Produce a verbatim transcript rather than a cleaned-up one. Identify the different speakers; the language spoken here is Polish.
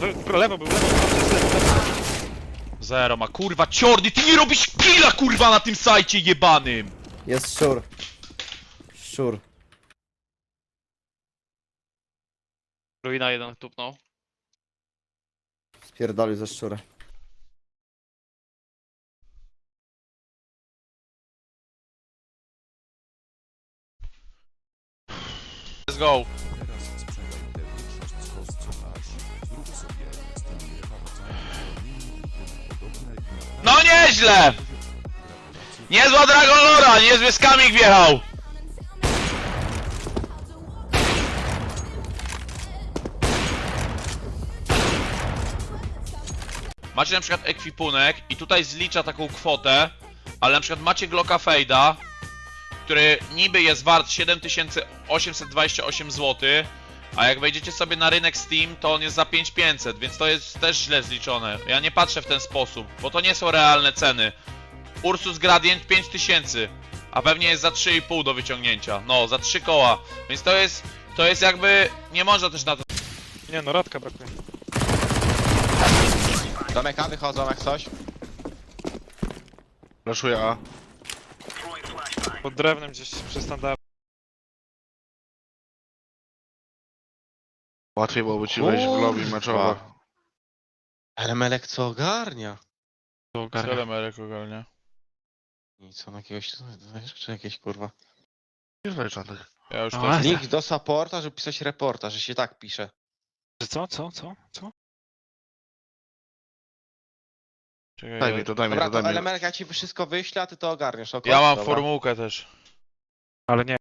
Speaker 1: Wy- Lewo był, lewo był.
Speaker 2: Zero ma, kurwa, ciorny, ty nie robisz killa, kurwa, na tym sajcie jebanym!
Speaker 3: Jest szczur. Szczur.
Speaker 1: Ruina jeden tupnął.
Speaker 3: Spierdolił ze szczura.
Speaker 2: Let's go. No nieźle! Niezła Dragon Lora, niezły skamik wjechał! Macie na przykład ekwipunek i tutaj zlicza taką kwotę, ale na przykład macie Glocka Fejda, który niby jest wart siedem tysięcy osiemset dwadzieścia osiem złotych, a jak wejdziecie sobie na rynek Steam, to on jest za pięć tysięcy pięćset, więc to jest też źle zliczone. Ja nie patrzę w ten sposób, bo to nie są realne ceny. Ursus Gradient pięć tysięcy, a pewnie jest za trzy i pół do wyciągnięcia. No, za trzy koła. Więc to jest, to jest jakby, nie można też na to...
Speaker 1: Nie no, radka brakuje.
Speaker 4: Domek A wychodzą jak coś.
Speaker 5: Flaszuję A.
Speaker 1: Pod drewnem gdzieś przy standardzie.
Speaker 5: Łatwiej byłoby ci wejść w lobby meczowe.
Speaker 4: Ale Melek co ogarnia?
Speaker 2: Telemerek ogarnia.
Speaker 4: Nic, on jakiegoś, czy jakieś kurwa.
Speaker 5: Nie znaj żadnych.
Speaker 2: Ja już
Speaker 1: No,
Speaker 2: też...
Speaker 1: ale-
Speaker 4: Link do supporta, żeby pisać reporta, że się tak pisze.
Speaker 1: Że co, co, co, co?
Speaker 2: Czekaj,
Speaker 5: Daj
Speaker 2: ja...
Speaker 5: mi to, daj mi
Speaker 4: Dobra,
Speaker 5: to, daj
Speaker 4: to
Speaker 5: mi to.
Speaker 4: Melek ja ci wszystko wyślę, a ty to ogarniesz, ok?
Speaker 2: ja mam
Speaker 4: Dobra.
Speaker 2: formułkę też.
Speaker 1: Ale nie.